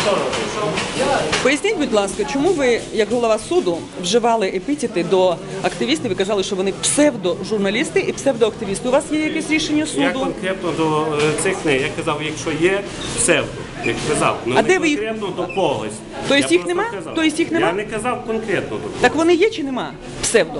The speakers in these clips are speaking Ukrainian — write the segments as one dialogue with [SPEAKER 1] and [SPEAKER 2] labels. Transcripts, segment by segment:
[SPEAKER 1] Поясніть, будь ласка, чому ви, як голова суду, вживали епітети до активістів і казали, що вони псевдожурналісти і псевдоактивісти? У вас є якесь рішення суду?
[SPEAKER 2] Я конкретно до цих не. Я казав, якщо є псевдо, як казав,
[SPEAKER 1] а де ви їх?
[SPEAKER 2] Конкретно до когось.
[SPEAKER 1] Тобто їх нема?
[SPEAKER 2] Я не казав конкретно до когось.
[SPEAKER 1] Так вони є чи нема? Псевдо.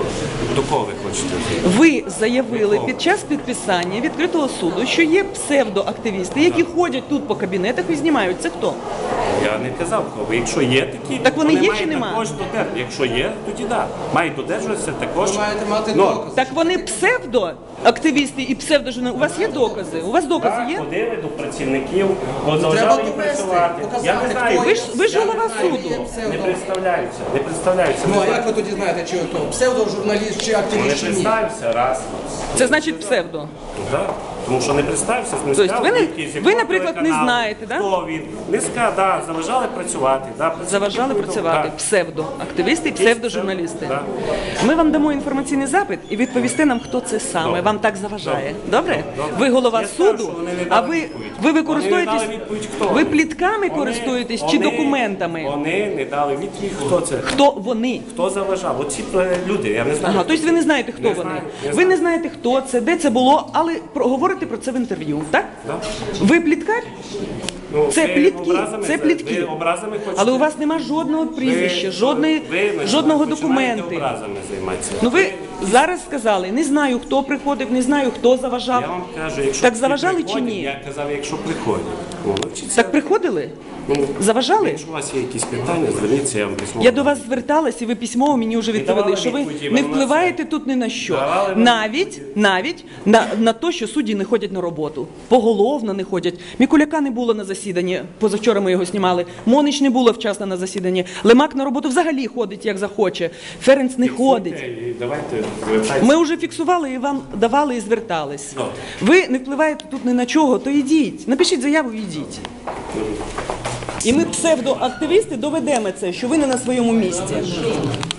[SPEAKER 2] До кого ви хочете?
[SPEAKER 1] Ви заявили під час підписання відкритого суду, що є псевдоактивісти, які ходять тут по кабінетах і знімають. Це хто?
[SPEAKER 2] Я не казав кого. Якщо є такі,
[SPEAKER 1] так вони є чи нема?
[SPEAKER 2] Також якщо є, тоді так. Мають додержуватися також.
[SPEAKER 3] Ви маєте мати докази.
[SPEAKER 1] Так вони псевдоактивісти і псевдожурналісти. У вас є докази? У вас докази є?
[SPEAKER 2] Ходили до працівників, заважали їм працювати. Я не знаю.
[SPEAKER 1] Ви ж голова суду.
[SPEAKER 2] Не представляються.
[SPEAKER 3] Ну, а як ви тоді знаєте, чи то псевдожурналіст, чи
[SPEAKER 2] Не
[SPEAKER 3] активіст, чи ні?
[SPEAKER 2] представився раз.
[SPEAKER 1] Це значить псевдо.
[SPEAKER 2] Так. Тому що не представився, не
[SPEAKER 1] Тобто
[SPEAKER 2] сказав,
[SPEAKER 1] ви, наприклад, не знаєте, да?
[SPEAKER 2] хто він. Не сказав, да, заважали працювати. Да,
[SPEAKER 1] Заважали працювати
[SPEAKER 2] да.
[SPEAKER 1] Псевдоактивісти і псевдожурналісти.
[SPEAKER 2] Да.
[SPEAKER 1] Ми вам дамо інформаційний запит і відповісте нам, хто це саме.
[SPEAKER 2] Добре.
[SPEAKER 1] Вам так заважає. Добре?
[SPEAKER 2] Добре.
[SPEAKER 1] Ви голова
[SPEAKER 2] Я скажу,
[SPEAKER 1] суду,
[SPEAKER 2] що вони не
[SPEAKER 1] а
[SPEAKER 2] дали
[SPEAKER 1] ви
[SPEAKER 2] відповідь.
[SPEAKER 1] користуєтесь,
[SPEAKER 2] Вони не дали відповідь, хто
[SPEAKER 1] ви
[SPEAKER 2] вони.
[SPEAKER 1] плітками користуєтесь чи документами?
[SPEAKER 2] Вони не дали відповідь, хто це.
[SPEAKER 1] Хто вони?
[SPEAKER 2] Хто заважав? Оці люди, я не знаю.
[SPEAKER 1] Ага, тобто ви не знаєте, хто
[SPEAKER 2] Не
[SPEAKER 1] вони.
[SPEAKER 2] знаю, не
[SPEAKER 1] Ви
[SPEAKER 2] знаю.
[SPEAKER 1] не знаєте, хто це, де це було, але говорите про це в інтерв'ю, так?
[SPEAKER 2] Да.
[SPEAKER 1] Ви пліткар?
[SPEAKER 2] Ну,
[SPEAKER 1] Це
[SPEAKER 2] ви
[SPEAKER 1] плітки,
[SPEAKER 2] образами
[SPEAKER 1] це плітки.
[SPEAKER 2] Ви образами хочете?
[SPEAKER 1] Але у вас нема жодного прізвища, жодного документу.
[SPEAKER 2] Образами займатися.
[SPEAKER 1] Ну ви зараз сказали, не знаю, хто приходив, не знаю, хто заважав.
[SPEAKER 2] Я вам кажу, якщо
[SPEAKER 1] Так
[SPEAKER 2] всі
[SPEAKER 1] заважали чи
[SPEAKER 2] приходять,
[SPEAKER 1] ні?
[SPEAKER 2] Я казав, якщо приходять. Ну, навчіться.
[SPEAKER 1] Так приходили? Заважали?
[SPEAKER 2] Якщо у вас є якісь питання, зверніться, я вам письмово.
[SPEAKER 1] Я до вас зверталась, і ви письмово мені вже відповіли,
[SPEAKER 2] давали
[SPEAKER 1] що ви
[SPEAKER 2] відповіді,
[SPEAKER 1] не
[SPEAKER 2] ви на
[SPEAKER 1] впливаєте тут ні на що.
[SPEAKER 2] Давали
[SPEAKER 1] Навіть на те, що судді не ходять на роботу. Поголовно не ходять. Мікуляка не було на засіданні, позавчора ми його знімали. Монич не було вчасно на засіданні. Лемак на роботу взагалі ходить, як захоче. Ференц не ходить.
[SPEAKER 2] І давайте звертайтеся.
[SPEAKER 1] Ми вже фіксували і вам давали і звертались.
[SPEAKER 2] Добре.
[SPEAKER 1] Ви не впливаєте тут ні на чого, то йдіть. Напишіть заяву і йдіть. І ми, псевдоактивісти, доведемо це, що ви не на своєму місці.